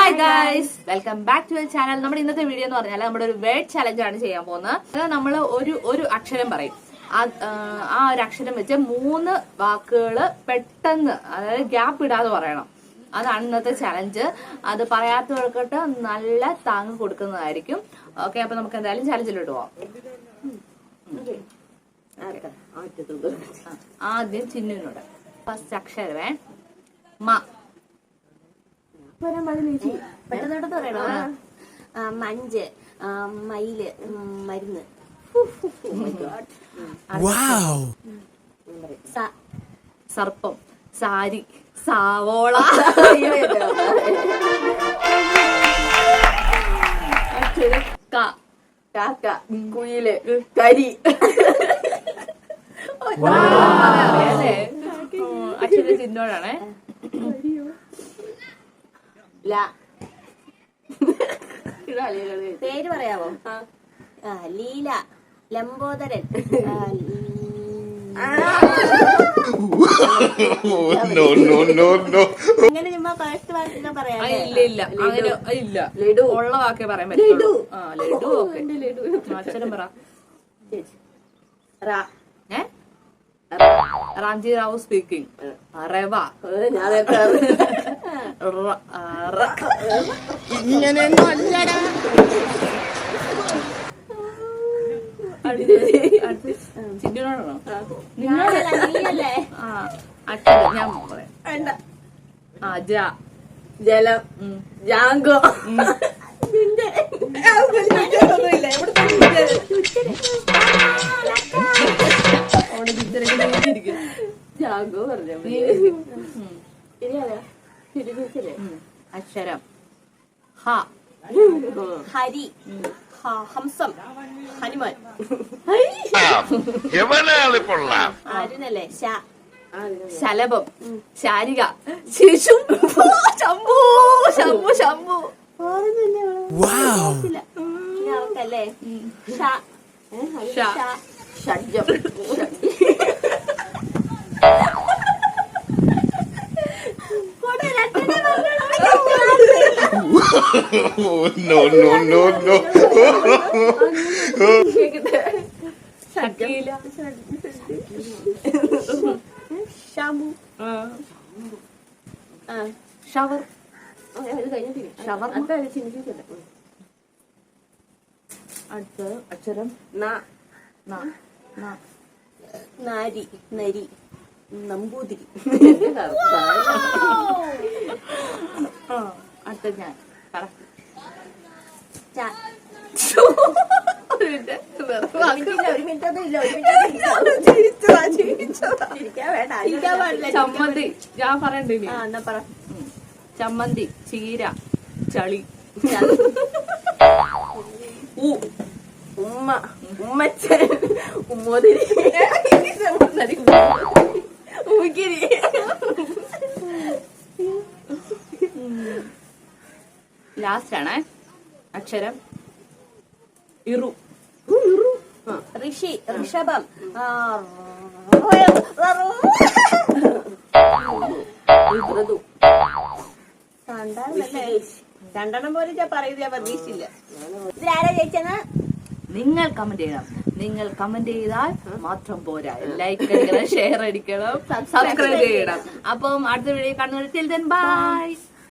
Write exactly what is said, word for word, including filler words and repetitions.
Hi guys, welcome back to channel. നമ്മുടെ ഇന്നത്തെ video എന്ന് പറഞ്ഞാൽ നമ്മുടെ ഒരു വേർഡ് ചലഞ്ച് ആണ് ചെയ്യാൻ പോകുന്നത്. അത് നമ്മൾ ഒരു ഒരു അക്ഷരം പറയും. ആ ഒരു അക്ഷരം വെച്ച് മൂന്ന് വാക്കുകൾ പെട്ടെന്ന്, അതായത് ഗ്യാപ്പ് ഇടാതെ പറയണം. അതാണ് ഇന്നത്തെ ചലഞ്ച്. അത് പറയാത്തവർക്കിട്ട് നല്ല താങ്ങ് കൊടുക്കുന്നതായിരിക്കും. ഓക്കെ, അപ്പൊ നമുക്ക് എന്തായാലും ചലഞ്ചിലോട്ട് പോവാം. ആദ്യം ചിന്നുവിനോട് ഫസ്റ്റ് അക്ഷരമേ മ. പെട്ടെന്ന് പറയണോ? മഞ്ച്, മയില്, മരുന്ന്, സർപ്പം, സാരി, സാവോള, കാക്ക, കുയില്, കരി. അക്ഷര ചിന്നോടാണേ. പേര് പറയാവോ? ലീല, ലംബോദരൻ, അങ്ങനെ ചുമ്മാ ഫസ്റ്റ് വാക്കൊക്കെ പറയാം. ഇല്ല ഇല്ല അങ്ങനെ ഇല്ല, ലഡു ഉള്ള വാക്കേ പറയാൻ പറ്റുള്ളൂ. ആ ലഡു ഓക്കെ. അക്ഷരം പറ. ഏ റാംജി റാവു സ്പീക്കിംഗ്. റവ, ഇങ്ങനെ ചിന്നോടാണോ? നീയല്ലേ? ആ അക്ഷരം ഞാൻ പറയാം. ആ ജ, ജലം, ജാങ്കോ, ജാങ്കോ പറഞ്ഞ അക്ഷരം ഹ. ഹരി, ഹംസം, ഹനുമാൻ, ആരുന്നല്ലേ? ശലഭം, ശാരിക, ശിശു, ശംഭു, ശംഭു, ശംഭു. അവക്കല്ലേ? ഷഡ്ജം, no no no no Shakeela, ഷാമു, ഷവർ, ഷവർ. അടുത്ത അക്ഷരം നാരി, നരി, നമ്പൂതിരി. അടുത്ത ഞാൻ പറ. ചമ്മന്തി ഞാൻ പറയണ്ടേ? ചമ്മന്തി, ചീര, ചളി, ഉമ്മ, ഉമ്മച്ചൻ, ഉമ്മോതിരി, ഉമ്മിക്കിരി. ലാസ്റ്റ് ആണ് അക്ഷരം ഇറു. ഋഷി, ഋഷഭം, രണ്ടെണ്ണം പോലും ഞാൻ പറയുന്നത് ഞാൻ പ്രതീക്ഷിച്ചില്ല. ഇതിലാരാ ജയിച്ചെന്ന് നിങ്ങൾ കമന്റ് ചെയ്യണം. നിങ്ങൾ കമന്റ് ചെയ്താൽ മാത്രം പോരാ, ലൈക്ക് അടിക്കണം, ഷെയർ അടിക്കണം, സബ്സ്ക്രൈബ് ചെയ്യണം. അപ്പം അടുത്ത വീഡിയോ കാണുന്നത്. ബൈ.